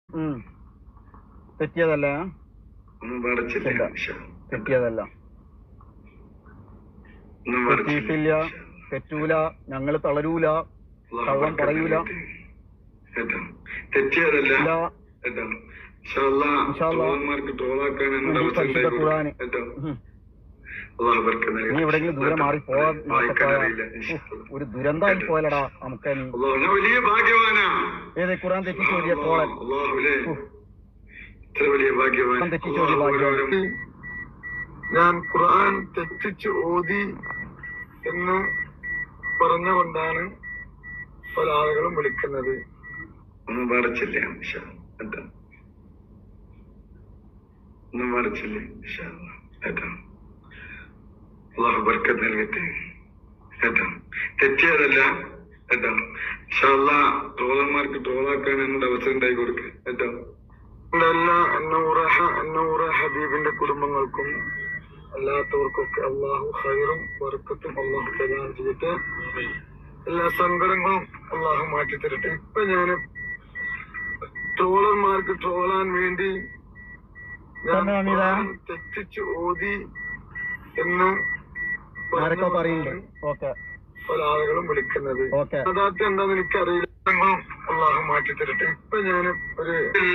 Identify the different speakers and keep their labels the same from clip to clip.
Speaker 1: തെറ്റിയതല്ല, തെറ്റിയതല്ല, തെറ്റിയിട്ടില്ല, തെറ്റൂല, ഞങ്ങൾ തളരൂല, കള്ളം പറയൂല.
Speaker 2: തെറ്റിയതല്ല.
Speaker 1: പരിശുദ്ധ ഖുർആന് നീ എവിടെയെങ്കിലും ദൂരെ മാറി പോവാൻ ഒരു ദുരന്തമായി പോയലടാ നമുക്ക്. ഏത് ഖുർആൻ തെറ്റിച്ചോടിയ കോളൻ, തെറ്റിച്ചോടിയ ഭാഗ്യവാൻ.
Speaker 2: ഞാൻ ഖുർആൻ തെറ്റിച്ച് ഓതി എന്ന് പറഞ്ഞുകൊണ്ടാണ് പല ആളുകളും വിളിക്കുന്നത്. ഒന്നും പറിച്ചില്ലേ ഒന്നും പറിച്ചില്ലേ കേട്ടോ. അള്ളാഹു ബർക്കത്ത് നൽകട്ടെ കേട്ടോ. തെറ്റിയതല്ല കേട്ടോ. ട്രോളന്മാർക്ക് ട്രോളാക്കാൻ എന്നോട് അവസരം ഉണ്ടായി കൊടുക്കുക കേട്ടോ. എല്ലാ അന്നൂറ ഹബീബിന്റെ കുടുംബങ്ങൾക്കും അല്ലാത്തവർക്കൊക്കെ അള്ളാഹു ഖൈറും ബർക്കത്തും അള്ളാഹു പ്രദാനം ചെയ്തിട്ട് എല്ലാ സങ്കടങ്ങളും അള്ളാഹു മാറ്റി തരട്ടെ. ഇപ്പൊ ഞാന് ട്രോളന്മാർക്ക് ട്രോളാൻ വേണ്ടി തെറ്റിച്ച് ഓതി എന്ന് പല ആളുകളും വിളിക്കുന്നത്. യഥാർത്ഥം എന്താന്ന് എനിക്കറിയില്ല. അള്ളാഹു മാറ്റി തരട്ടെ. ഇപ്പൊ ഞാന് ഒരു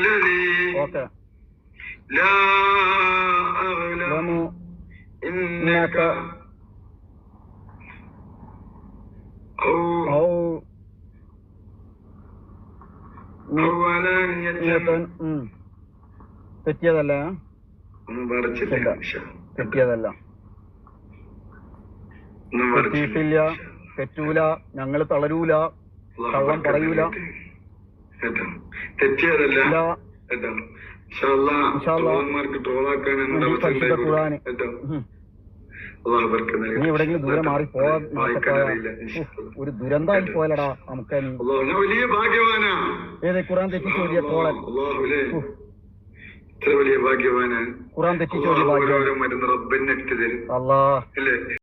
Speaker 1: തെറ്റിയതല്ല, തെറ്റിയതല്ല, തെറ്റിയിട്ടില്ല, തെറ്റൂല, ഞങ്ങൾ തളരൂല, കള്ളം പറയൂല.
Speaker 2: തെറ്റിയതല്ല.
Speaker 1: പരിശുദ്ധ ഖുർആന് നീ എവിടെയെങ്കിലും ദൂരെ മാറി പോവാൻ ഒരു ദുരന്തമായി പോയലടാ നമുക്ക്. ഏത് ഖുർആൻ തെറ്റിച്ചോടിയ കോളൻ,
Speaker 2: വലിയ ഭാഗ്യവാന്.
Speaker 1: ഖുർആൻ തെറ്റിച്ചോടിയ ഭാഗ്യവാൻ.
Speaker 2: മരുന്ന് റബ്ബന്നെ തരും
Speaker 1: അല്ലാഹ്.